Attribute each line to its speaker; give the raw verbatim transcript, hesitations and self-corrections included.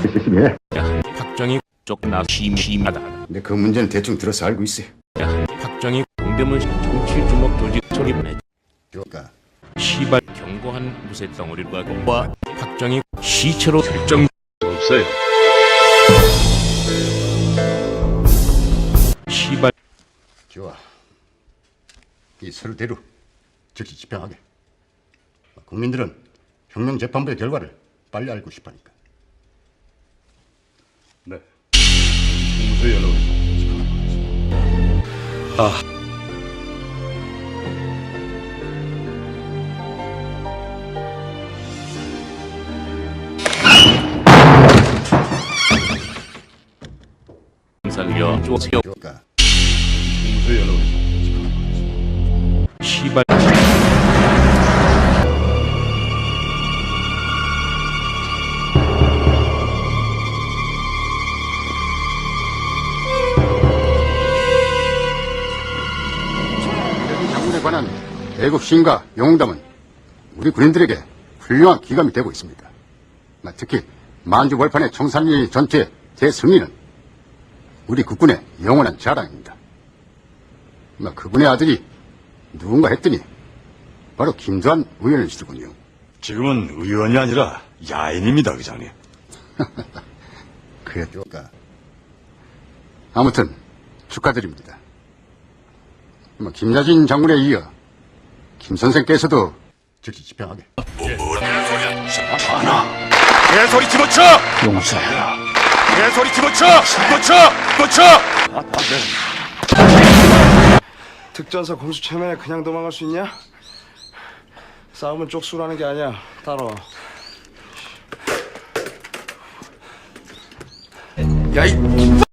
Speaker 1: 열심히 해.
Speaker 2: 야, 박정희 쪽나 심심하다.
Speaker 1: 근데 그 문제는 대충 들어서 알고 있어요.
Speaker 2: 야, 박정희 동대문 정치 주먹 조직 소리보내.
Speaker 1: 그러니까
Speaker 2: 시발 경고한 무쇠 덩어리로 가고 와 박정희 시체로 설정 없어요. 시발
Speaker 1: 좋아. 이 서류대로 즉시 집행하게. 국민들은 혁명재판부의 결과를 빨리 알고 싶으니까.
Speaker 3: 네. 무쇠 연락을. 아.
Speaker 2: 살려 쪼세요.
Speaker 1: 그러니까
Speaker 3: 무쇠 연락을.
Speaker 2: 시발
Speaker 1: 대중 장군에 관한 애국 시인과 영웅담은 우리 군인들에게 훌륭한 기감이 되고 있습니다. 특히 만주벌판의 청산리 전투의 대승리는 우리 국군의 영원한 자랑입니다. 그분의 아들이 누군가 했더니 바로 김두한 의원이시더군요.
Speaker 3: 지금은 의원이 아니라 야인입니다, 의장님.
Speaker 1: 그러니까 아무튼 축하드립니다. 뭐 김자진 장군에 이어 김 선생께서도 즉시 집행하게.
Speaker 3: 하나. 개소리 집어쳐!
Speaker 2: 용서해라.
Speaker 3: 개소리 집어쳐! 집어쳐! 집어쳐! 아, 네.
Speaker 4: 특전사 공수처면에 그냥 도망갈 수 있냐? 싸움은 쪽수라는 게 아니야. 따라와.
Speaker 3: 야, 이